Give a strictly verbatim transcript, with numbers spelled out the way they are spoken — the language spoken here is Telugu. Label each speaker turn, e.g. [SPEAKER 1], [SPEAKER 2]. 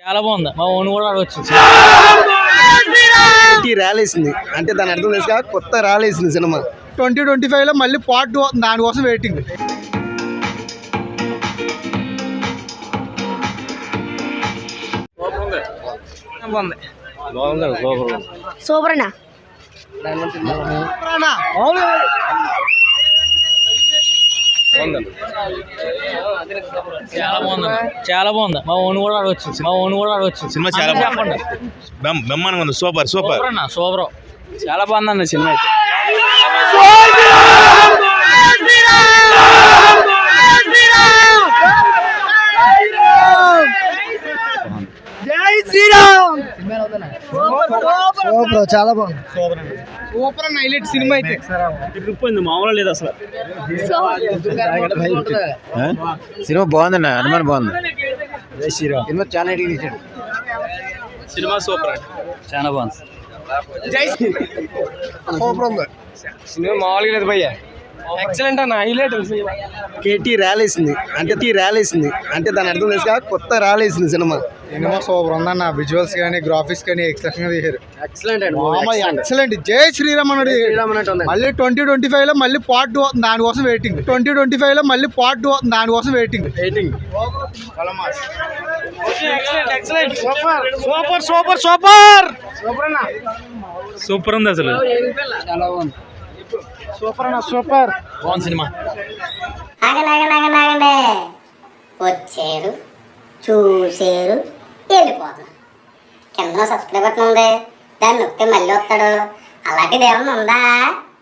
[SPEAKER 1] చాలా బాగుంది. మా ఓన్ కూడా వచ్చింది.
[SPEAKER 2] రాలేసింది అంటే దాని అర్థం తెలుసు, కొత్త రాలేసింది సినిమా. ట్వంటీ ట్వంటీ ఫైవ్ లో మళ్ళీ పార్ట్ టూ దానికోసం వెయిటింగ్.
[SPEAKER 3] సూపర్ అన్నా.
[SPEAKER 1] చాలా బాగుంది. చాలా బాగుంది. మా ఓన్ కూడా వచ్చింది. మా ఓన్ కూడా వచ్చింది.
[SPEAKER 4] సినిమా చాలా బాగుంది. బ్రహ్మాండంగా ఉంది. సూపర్ సూపర్
[SPEAKER 1] అన్న సూపర్. చాలా బాగుంది అన్న సినిమా అయితే.
[SPEAKER 2] సూపర్ చాలా బాగుంది. సూపర్ అన్న హైలైట్ సినిమా అయితే.
[SPEAKER 1] మామూలు లేదు అసలు.
[SPEAKER 4] సినిమా బాగుందన్న. అనుమానం బాగుంది.
[SPEAKER 2] సినిమా చాలా
[SPEAKER 1] సినిమా సూపర్. చాలా బాగుంది.
[SPEAKER 2] సూపర్ ఉంది సినిమా. మామూలుగా లేదు భయ్య. ఎక్సలెంట్ అన్న హైలైట్. కేటీ రాలేసింది అంటే టీ రాలేసింది అంటే దాని అర్థం తెలుసు, కొత్త రాలేసింది సినిమా. సినిమా సూపర్ ఉందన్న. విజువల్స్ కానీ గ్రాఫిక్స్ కానీ ఎక్సలెంట్ గా తీశారు. Excellent excellent. జై శ్రీరామ్ అన్నాడు. మళ్ళీ ట్వంటీ ట్వంటీ ఫైవ్ లో మళ్ళీ పార్ట్ టూ దానికోసం వెయిటింగ్. ట్వంటీ ట్వంటీ ఫైవ్ లో మళ్ళీ పార్ట్ టూ దానికోసం waiting waiting super super super super అన్న.
[SPEAKER 1] సూపర్ ఉంది అసలు.
[SPEAKER 2] చాలా బాగుంది. సూపర్ అన్న సూపర్.
[SPEAKER 1] బాగుంది సినిమా.
[SPEAKER 3] ఆగండి వచ్చారు, చూసారు, వెళ్ళిపోతున్నారు. కింద సబ్స్క్రైబ్ బటన్ ఉంది, దాన్ని నొక్కితే మళ్ళీ వస్తాడు. అలాంటిది ఏమన్నా ఉందా?